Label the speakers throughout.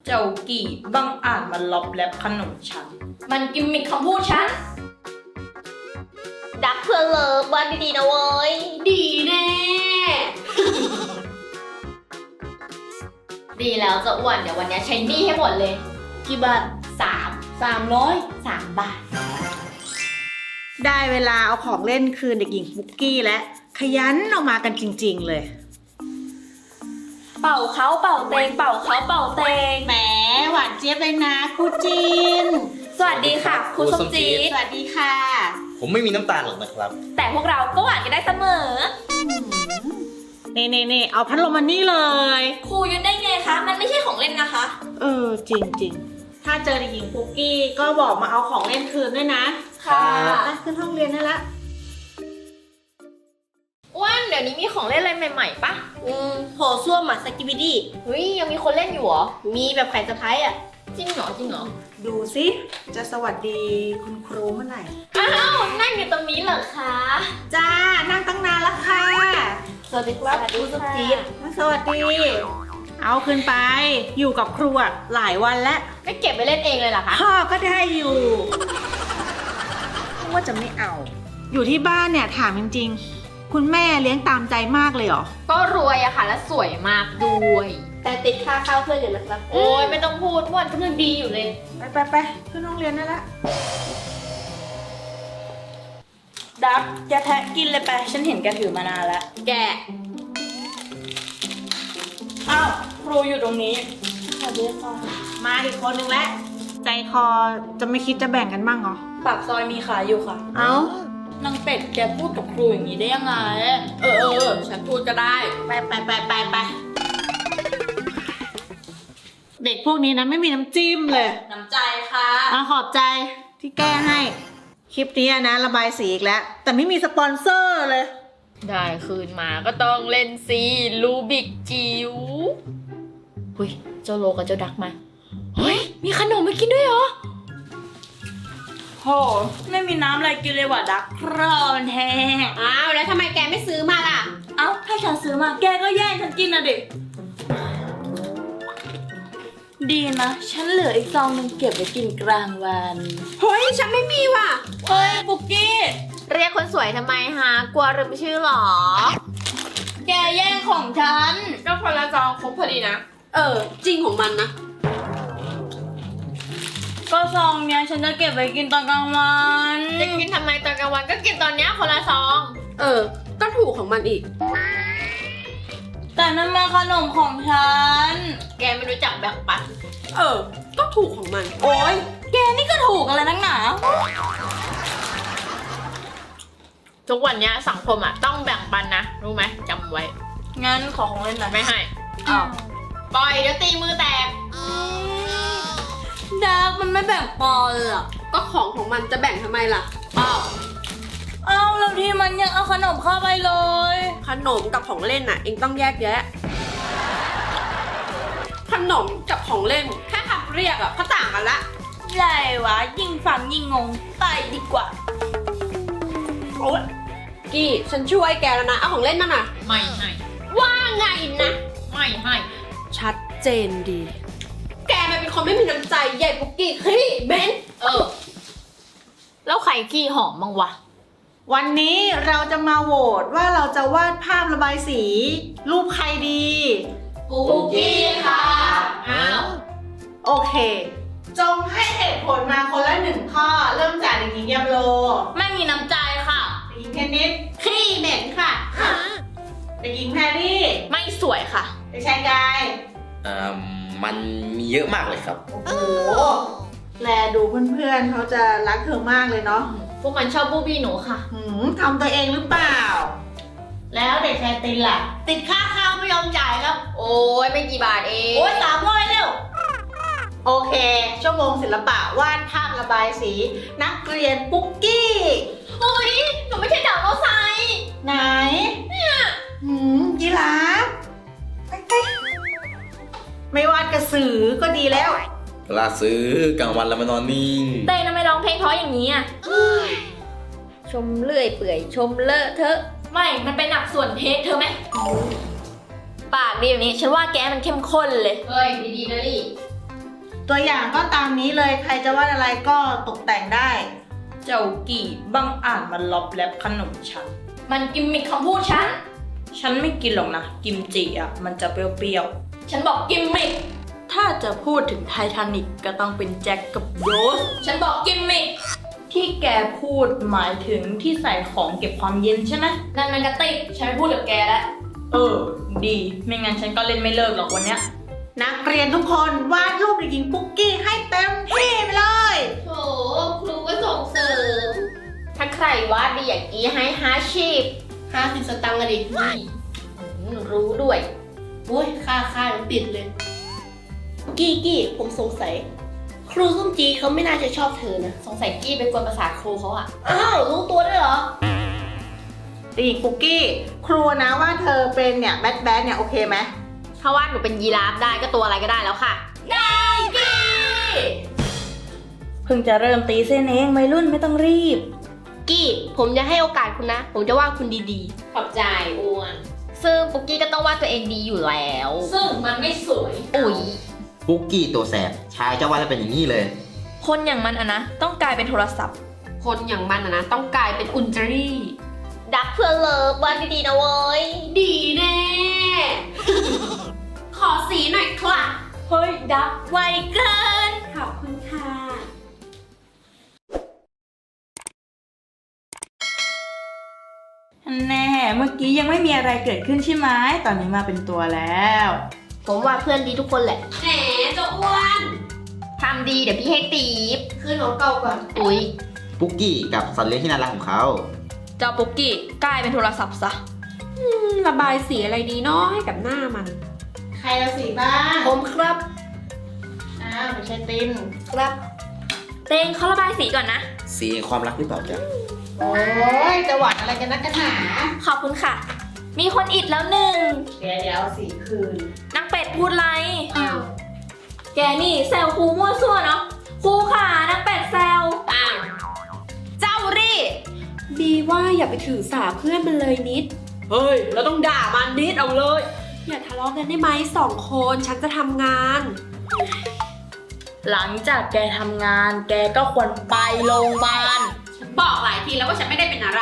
Speaker 1: เจ้ากี่บังอาจมาล็อบแลบขนมฉัน
Speaker 2: มันกิมมิคคำพูดฉัน
Speaker 3: ดักเพื่อเลิฟบ้านดีๆนะเว้ย
Speaker 2: ดีแน่ ดีแล้วจะอ้วน เดี๋ยววันนี้ใช้หนี้ให้หมดเลย
Speaker 1: กี่บาท 300
Speaker 2: 3 บาท
Speaker 4: ได้เวลาเอาของเล่นคืนเด็กหญิงปุ๊กกี้และขยันออกมากันจริงๆเลย
Speaker 2: เป่าเขาเป่าเตงเป่าเขาเป่าเตง
Speaker 4: แหมหวานเจี๊ยบเลยนะครูจีน
Speaker 2: สวัสดีค่ะครูส้มจี๊ด
Speaker 4: สวัสดีค่ะ
Speaker 5: ผมไม่มีน้ำตาลหรอกนะครับ
Speaker 2: แต่พวกเราก็หวานกันได้เสมอ
Speaker 4: นี่เอาพัดลมมานี่เลย
Speaker 2: ครูยุดได้ไงคะ มันไม่ใช่ของเล่นนะคะ
Speaker 4: จริงๆ ถ้าเจอเด็กหญิงปุ๊กกี้ก็บอกมาเอาของเล่นคืนด้วยนะ
Speaker 2: ค่ะ
Speaker 4: ไปขึ้นห้องเรียนได้ละ
Speaker 2: อ้วนเดี๋ยวนี้มีของเล่นอะไรใหม่ๆปะ
Speaker 3: โถส้วมอะสกิบิดี้
Speaker 2: เฮ้ยยังมีคนเล่นอยู่เหรอ
Speaker 3: มีแบบไข่สะพ้ายอะ
Speaker 2: จริงเหรอจริงเหรอ
Speaker 4: ดูสิจะสวัสดีคุณครูเมื่อไหร่
Speaker 2: อ้าวนั่งอยู่ตรงนี้เหรอคะ
Speaker 4: จ้านั่งตั้งนานแล้วค่ะ
Speaker 3: สวัสดีครับครูส้มจี๊ด
Speaker 4: สวัสดี เอาคืนไป อยู่กับครูอะหลายวันแล้ว
Speaker 2: ไม่เก็บไปเล่นเองเลยเหรอคะ
Speaker 4: พ่อก็ได้อยู่ว่าจะไม่เอา อยู่ที่บ้านเนี่ยถามจริงๆ คุณแม่เลี้ยงตามใจมากเลยเหรอ
Speaker 2: ก็รวยอะค่ะและสวยมากด้วย
Speaker 3: แต่ติดค่าข้าวเพื่อนอยู่นะครับ
Speaker 2: โอ้ยไม่ต้องพูดอ้วนกำลังดีอยู่เลย
Speaker 4: ไปขึ้นห้องเรียนได้ละ
Speaker 1: ดักแกแทะกินเลยไป ฉันเห็นแกถือมานานแล้ว
Speaker 2: แก
Speaker 1: อ้าว ครูอยู่ตรงนี้
Speaker 3: สวัสดีค่ะ
Speaker 4: มาอีกคนนึงแล้วใจคอจะไม่คิดจะแบ่งกันบ้างเหรอ
Speaker 1: ปากซอยมีขายอยู่ค่ะ
Speaker 4: เอ้าน
Speaker 1: างเป็ดแกพูดกับครูอย่างนี้ได้ยังไง ฉันพูดก็ได้
Speaker 4: ไปเด็กพวกนี้นะไม่มีน้ำจิ้มเลย
Speaker 1: น้ำใจค่ะ
Speaker 4: ขอบใจที่แก้ให้ คลิปนี้นะระบายสีอีกแล้ว แต่ไม่มีสปอนเซอร์เลย
Speaker 2: ได้คืนมาก็ต้องเล่นซีลูบิกจิ๋วหุยเจ้าโลกับเจ้าดักมา เฮ้ย มีขนมมากินด้วยเหรอ
Speaker 1: โห ไม่มีน้ำอะไรกินเลยว่ะดักร้อนแห้ง
Speaker 3: อ้าวแล้วทำไมแกไม่ซื้อมาล่ะ
Speaker 1: เอ้า ถ้าฉันซื้อมาแกก็แย่งฉันกินนะดิ ดีนะ ฉันเหลืออีกซองหนึงเก็บไว้กินกลางวัน
Speaker 3: เฮ้ยฉันไม่มีว่ะ
Speaker 1: เฮ้ย ปุกกี้
Speaker 2: เรียกคนสวยทำไมฮะ กลัวลืมชื่อเหรอ
Speaker 1: แกแย่งของฉัน
Speaker 2: ก็คนละจองครบพอดีนะ
Speaker 3: จริงของมันนะ
Speaker 1: ก็ซองเนี้ยฉันจะเก็บไว้กินตอนกลางวัน
Speaker 2: จะกินทำไมตอนกลางวันก็กินตอนเนี้ยคนละซอง
Speaker 3: ก็ถูกของมันอีก
Speaker 1: แต่นั่นมันขนมของฉัน
Speaker 2: แกไม่รู้จักแบ่งปัน
Speaker 3: ก็ถูกของมัน
Speaker 1: โอ๊ย แกนี่ก็ถูกอะไรนักหนา
Speaker 2: ทุกวันเนี้ยสังคมอ่ะต้องแบ่งปันนะ รู้ไหมจำไว้
Speaker 1: งั้นขอของเล่นหน่อย
Speaker 2: ไม่ให้
Speaker 1: อ้าว
Speaker 2: ปล่อยเดี๋ยวตีมือแตก
Speaker 1: ดักมันไม่แบ่งปอเลยอ่ะ
Speaker 3: ก็ของมันจะแบ่งทำไมล่ะ
Speaker 2: อ้าว
Speaker 1: เอ้าแล้วที่มันยังเอาขนมเข้าไปเลย
Speaker 3: ขนมกับของเล่นน่ะ เองต้องแยกแยะ ขนมกับของเล่นแค่คำเรียกอะก็ต่างกันละ
Speaker 1: ไรวะ ยิ่งฟังยิ่งงง ไปดีกว่า
Speaker 3: โอ๊ยกี้ฉันช่วยแกแล้วนะ เอาของเล่นมาหน่ะ
Speaker 2: ไม่ให้
Speaker 3: ว่าไงนะ
Speaker 2: ไม่ให้
Speaker 3: ชัดเจนดี แกมันเป็นคนไม่มีน้ำใจใหญ่ปุกกี้ขี้เบน
Speaker 2: แล้วใครขี้หอมบ้างวะ
Speaker 4: วันนี้เราจะมาโหวตว่าเราจะวาดภาพระบายสี รูปใครดี
Speaker 2: ปุกกี้ค่ะอ้าว
Speaker 4: โอเค จงให้เหตุผลมาคนละหนึ่งข้อ เริ่มจากเด็กหญิงยามโล
Speaker 1: ไม่มีน้ำใจค่ะ
Speaker 4: เด็กหญิงเทนนิส
Speaker 3: ขี้เหม็นค่ะ
Speaker 4: เด็กหญิงแพรรี่
Speaker 2: ไม่สวยค่ะ
Speaker 4: เด็กชายกาย
Speaker 5: มันมีเยอะมากเลยครับ
Speaker 4: โอ้โห แลดูเพื่อนๆเขาจะรักเธอมากเลยเนาะ
Speaker 2: พวกมันชอบบูบี้หนูค่ะ
Speaker 4: ทำตัวเองหรือเปล่า แล้วเด็กชายตินล่ะ
Speaker 1: ติดค่าข้าวไม่ยอมจ่ายครับ
Speaker 2: โอ้ยไม่กี่บาทเอง
Speaker 1: โอ๊ย300เร็ว
Speaker 4: โอเค ชั่วโมงศิลปะวาดภาพระบายสี นักเรียนปุ๊กกี้
Speaker 2: เฮ้ย หนูไม่ใช่ดาวโมไซ
Speaker 4: ไหนยีราฟไปไม่วาดกระสือก็ดีแล้ว
Speaker 5: เวลาซื้อกลางวันแล้วมานอนนิ่ง
Speaker 2: เต้ทำไมร้องเพลงเพราะอย่างนี้อ่ะ ชมเลื่อยเปื่อยชมเลอะเทอะ ไม่ มันเป็นหนักส่วนเทสเธอไหม ปากดีแบบนี้ ฉันว่าแกมันเข้มข้นเลย เฮ้ย ดีๆนะลี่
Speaker 4: ตัวอย่างก็ตามนี้เลย ใครจะวาดอะไรก็ตกแต่งได้
Speaker 1: เจ้ากี่บังอ่านมันล็อบแลบขนมฉัน
Speaker 2: มันกิมมิคคำพูดฉัน
Speaker 1: ฉันไม่กินหรอกนะ กิมจิอ่ะ มันจะเปรี้ยว
Speaker 2: ฉันบอกกิมมิค
Speaker 1: ๆ ถ้าจะพูดถึงไททานิกก็ต้องเป็นแจ็คกับโรส
Speaker 2: ฉันบอกกิมมิค
Speaker 1: ที่แกพูดหมายถึงที่ใส่ของเก็บความเย็นใช่ไหม
Speaker 2: นั่นมันกระติกฉันไม่พูดกับแกแล้ว
Speaker 1: ดี ไม่งั้นฉันก็เล่นไม่เลิกหรอกวันเนี้ย
Speaker 4: นักเรียนทุกคนวาดรูปเด็กหญิงปุ๊กกี้ให้เต็มที่ไปเลย
Speaker 3: โถครูก็ส่งเสริม
Speaker 2: ถ้าใครวาดดีอย่างนี้ให้
Speaker 3: 50 สตางค์อะดิ
Speaker 2: รู้ด้วย
Speaker 3: โอ้ยค่ายังติดเลย กี้ผมสงสัย ครูส้มจีเขาไม่น่าจะชอบเธอนะ
Speaker 2: สงสัยกี้เป็นกวนประสาทครูเขาอะ
Speaker 3: อ้าวรู้ตัวด้วยเหรอ
Speaker 4: เด็กหญิงปุ๊กกี้ ครูนะว่าเธอเป็นเนี่ยแบทเนี่ยโอเคไหม
Speaker 2: ถ้าวาดหนูเป็นยีราฟได้ก็ตัวอะไรก็ได้แล้วค่ะ ได้กี้
Speaker 1: เพิ่งจะเริ่มตีเส้นเองวัยรุ่นไม่ต้องรีบ
Speaker 3: กี้ผมจะให้โอกาสคุณนะ ผมจะว่าคุณดี
Speaker 2: ขอบใจอ้วน ซึ่งปุกกี้ก็ต้องวาดตัวเองดีอยู่แล้ว ซึ่งมันไม่สวย อุ๊ย
Speaker 5: ปุ๊กกี้ตัวแสบ ชายเจ้าว่าจะเป็นอย่างนี้เลย
Speaker 1: คนอย่างมันอะนะ ต้องกลายเป็นโทรศัพท์
Speaker 3: ๆ คนอย่างมันนะต้องกลายเป็นอุนจารี
Speaker 2: ดักเพื่อเลิฟวาดดีๆนะเว้ย
Speaker 3: ดีแน่ ขอสีหน่อยค่ะ
Speaker 1: เฮ้ย ดักไวเกิน
Speaker 3: ขอบคุณค่ะ
Speaker 1: แน่ เมื่อกี้ยังไม่มีอะไรเกิดขึ้นใช่ไหม ตอนนี้มาเป็นตัวแล้ว
Speaker 3: ผมว่าเพื่อนดีทุกคนแหละ แหมเจ้าอ้วน
Speaker 2: ทำดีเดี๋ยวพี่ให้ตีบ
Speaker 3: คืนของเก่าก่อน
Speaker 2: อุ๊ย
Speaker 5: ปุ๊กกี้กับสัตว์เลี้ยงที่น่ารักของเขา
Speaker 1: เจ้าปุ๊กกี้กลายเป็นโทรศัพท์ซะ
Speaker 3: ระบายสีอะไรดีเนาะให้กับหน้ามัน
Speaker 4: ใครละสีบ้าง
Speaker 3: ผมครับ
Speaker 4: ไม่ใช่ติน
Speaker 3: ครับ
Speaker 2: เต้งเขาระบายสีก่อนนะ
Speaker 5: สีแห่งความรักหรือเปล่าจ๊ะ
Speaker 4: โอ้ยจะหวานอะไรกันนักกันหนา
Speaker 2: ขอบคุณค่ะ มีคนอิดแล้วหนึ่ง
Speaker 4: เดี๋ยวเอาสีคืน
Speaker 2: นักเป็ดพูดไร แกนี่แซวครูมั่วซั่วเนาะ ครูค่ะนักเป็ดแซว อ้าว เจ้ารี่
Speaker 3: บีว่าอย่าไปถือสาเพื่อนมันเลยนิด เฮ้ย เราต้องด่ามันนิดเอาเลย อย่าทะเลาะกันได้ไหม2 คนฉันจะทำงาน
Speaker 1: หลังจากแกทำงาน แกก็ควรไปโรงพยาบาล
Speaker 3: ฉันบอกหลายทีแล้วว่าฉันไม่ได้เป็นอะไร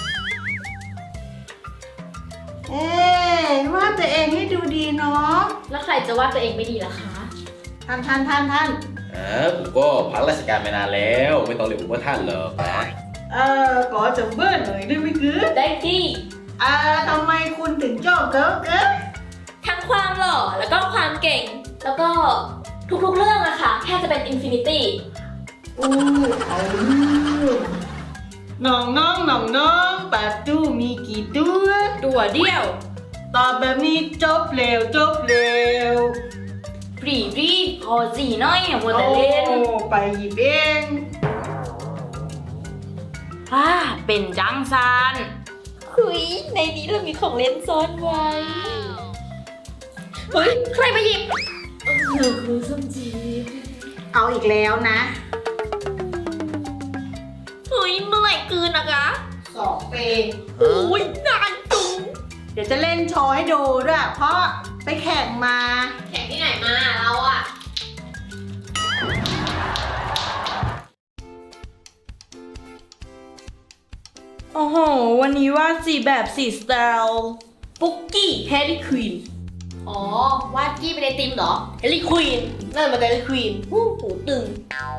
Speaker 4: วาดตัวเองให้ดูดีเนาะ
Speaker 2: แล้วใครจะว่าตัวเองไม่ดีล่ะคะ
Speaker 4: ท่าน
Speaker 5: ผมก็พักราชการมานานแล้ว ไม่ต้องเรียกผมว่าท่านหรอกนะ
Speaker 4: ขอจังเบิ้ลหน่อยได้ไหมคือ
Speaker 2: ได้ที่
Speaker 4: ทำไมคุณถึงชอบเกิร์ล
Speaker 2: ทั้งความหล่อแล้วก็ความเก่ง แล้วก็ทุกๆเรื่องอะค่ะแค่จะเป็นอินฟินิตี้
Speaker 4: น้องปัดตู้มีกี่ตัว
Speaker 1: ตัวเดียว
Speaker 4: ตอบแบบนี้จบเร็ว
Speaker 1: ปรีรีบพอสีน้อยอย่ามัวแต่เล่น
Speaker 4: ไปหยิบเอง
Speaker 1: เป็นจังซาน
Speaker 2: คุยในนี้เรามีของเล่นซ่อนไว้ เฮ้ย ใครมาหยิบครูส้มจี
Speaker 4: เอาอีกแล้วนะ
Speaker 2: เฮ้ยเมื่อไหร่คืนนะคะ
Speaker 4: 2 ปี
Speaker 2: โอ้ยนานจุง
Speaker 4: เดี๋ยวจะเล่นโชว์ให้ดูด้วย เพราะไปแข่งมา
Speaker 2: แข่งที่ไหนมาเราอะ
Speaker 1: โอ้โห วันนี้วาดสีแบบสีสไตล์ปุ๊กกี้แฮร์รี่ควีน
Speaker 2: อ๋อ วาดกี้เป็นไอติมเหรอ
Speaker 3: เฮลิควีนนั่นมันเฮลิควีนหูตึง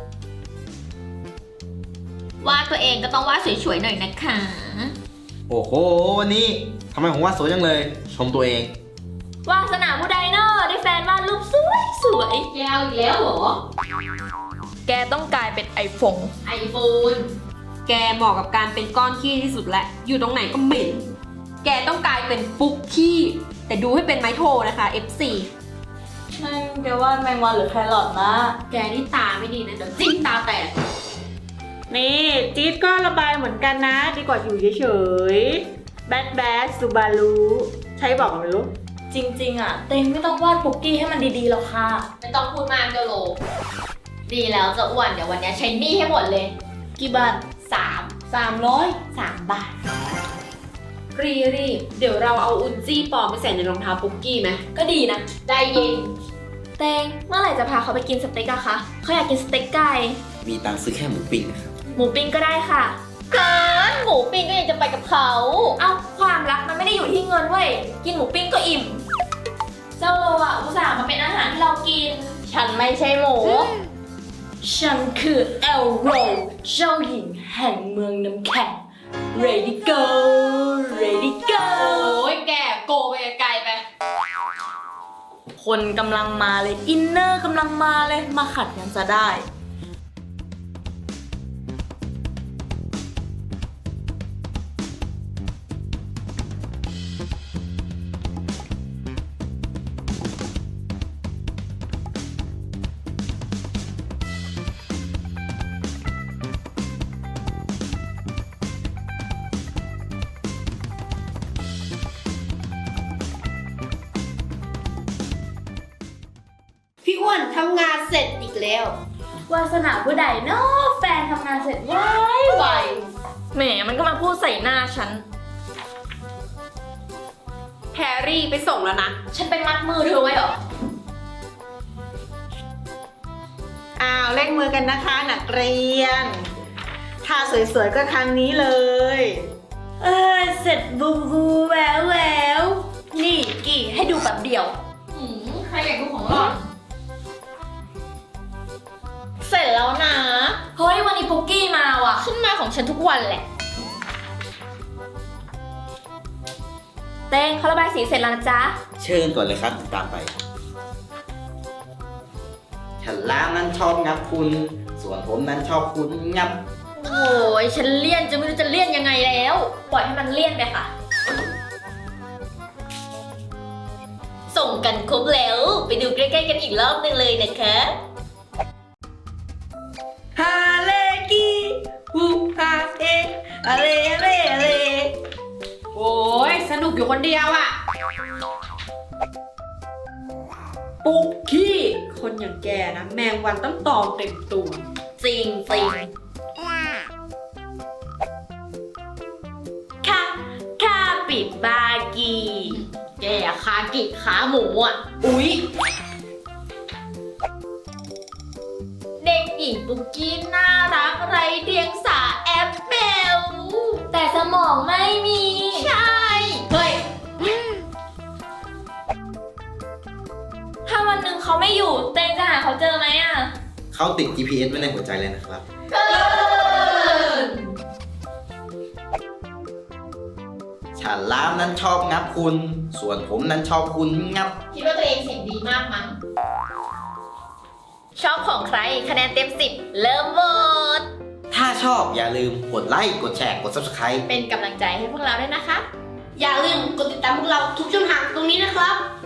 Speaker 2: วาดตัวเองก็ต้องวาดสวยๆหน่อยนะคะ
Speaker 5: โอ้โห วันนี้ทำไมผมว่าสวยจังเลย ชมตัวเอง
Speaker 2: วาสนาผู้ใดเนอะได้แฟนวาดรูปสวย
Speaker 3: แกเอาอีกแล้วเหรอ
Speaker 1: แกต้องกลายเป็นไอโฟน
Speaker 2: ๆไอโฟน
Speaker 3: แกเหมาะกับการเป็นก้อนขี้ที่สุดแหละ อยู่ตรงไหนก็เหม็น แกต้องกลายเป็นปุ๊กขี้ แต่ดูให้เป็นไม้โทนะคะ F4
Speaker 1: นั่นแกวาดแมงวันหรือแครอทนะ
Speaker 3: แกนี่ตาไม่ดีนะเดี๋ยวจิ้มตาแตก
Speaker 4: นี่จี๊ดก็ระบายเหมือนกันนะ ดีกว่าอยู่เฉยๆแบดซูบารุใช้บอกกันไม่รู้
Speaker 1: จริงๆอะเต็งไม่ต้องวาดปุ๊กกี้ให้มันดีๆหรอกค่ะ
Speaker 2: ไม่ต้องพูดมากเจ้าโล ดีแล้วจะอ้วน เดี๋ยววันนี้ใช้หนี้ให้หมดเลย
Speaker 1: กี่บาท
Speaker 2: 3 บาท
Speaker 3: รีบเดี๋ยวเราเอาอุนจี้ปลอมไปใส่ในรองเท้าปุ๊กกี้ไหม
Speaker 2: ก็ดีนะ ได้เย็นเตงเมื่อไหร่จะพาเขาไปกินสเต็กอะคะเขาอยากกินสเต็กไก่
Speaker 5: มีตังค์ซื้อแค่หมูปิ้งนะครับ
Speaker 2: หมูปิ้งก็ได้ค่ะเกินหมูปิ้งก็ยังจะไปกับเขา เอ้าความรักมันไม่ได้อยู่ที่เงินเว้ย กินหมูปิ้งก็อิ่ม เจ้าโลอ่ะอุตส่าห์มาเป็นอาหารที่เรากิน ฉันไม่ใช่หมู
Speaker 1: ฉันคือเอลโรเจ้าหญิงแห่งเมืองน้ำแข็ง ready go ready go
Speaker 2: โอ้ยแกโกไปไกลไป
Speaker 1: คนกำลังมาเลย อินเนอร์กำลังมาเลย มาขัดกันจะได้
Speaker 3: พี่อ้วนทำงานเสร็จอีกแล้ว
Speaker 1: วาสนาผู้ใดเนาะแฟนทำงานเสร็จไว
Speaker 2: แหมมันก็มาพูดใส่หน้าฉัน
Speaker 3: แฮร์รี่ไปส่งแล้วนะ
Speaker 2: ฉันไปมัดมือเธอไว้เหรอ
Speaker 4: อ้าวเล่นมือกันนะคะนักเรียนท่าสวยๆก็ครั้งนี้เลย
Speaker 1: เสร็จบูบูแววแววนี่กี่ให้ดูแบบเดียว
Speaker 2: ใครอยากดูของหล่อนเสร็จแล้วนะ เฮ้ยวันนี้ปุกกี้มาว่ะ ขึ้นมาของฉันทุกวันแหละ เต้งเขาระบายสีเสร็จแล้วนะจ๊ะ
Speaker 5: เชิญก่อนเลยครับตามไป ฉันล้านั้นชอบงับคุณ ส่วนผมนั้นชอบคุณงับ
Speaker 2: โอ้ยฉันเลี่ยนจะไม่รู้จะเลี่ยนยังไงแล้ว ปล่อยให้มันเลี่ยนไปค่ะ ส่งกันครบแล้ว ไปดูใกล้ๆกันอีกรอบหนึงเลยนะคะ
Speaker 1: ฮาเลกีฮูฮาเออะไรอะไรอะไร
Speaker 3: โอ้ยสนุกอยู่คนเดียวอะปุ๊กกี้คนอย่างแกนะ แมงวันต้องตอมเต็มตัว
Speaker 2: จริงจริง
Speaker 1: คาปิบากี
Speaker 2: แกคากิขาหมูอ่ะ
Speaker 3: อุ๊ย
Speaker 2: เด็กหญิงปุกกี้น่ารักไรเดียงสาแอปเปิลแต่สมองไม่มี ใช่ เฮ้ย ถ้าวันหนึ่งเขาไม่อยู่เต้งจะหาเขาเจอไหมอ่ะ
Speaker 5: เขาติด GPS ไว้ในหัวใจเลยนะครับ ฉันล้ามนั้นชอบงับคุณ ส่วนผมนั้นชอบคุณงับ
Speaker 2: คิดว่าตัวเองเสียงดีมากมั้ง ชอบของใครคะแนนเต็ม 10 เริ่มโหวต
Speaker 5: ถ้าชอบอย่าลืมกดไลค์ กดแชร์ กด Subscribe
Speaker 2: เป็นกำลังใจให้พวกเราด้วยนะคะ
Speaker 3: อย่าลืมกดติดตามพวกเราทุกช่องทางตรงนี้นะครับ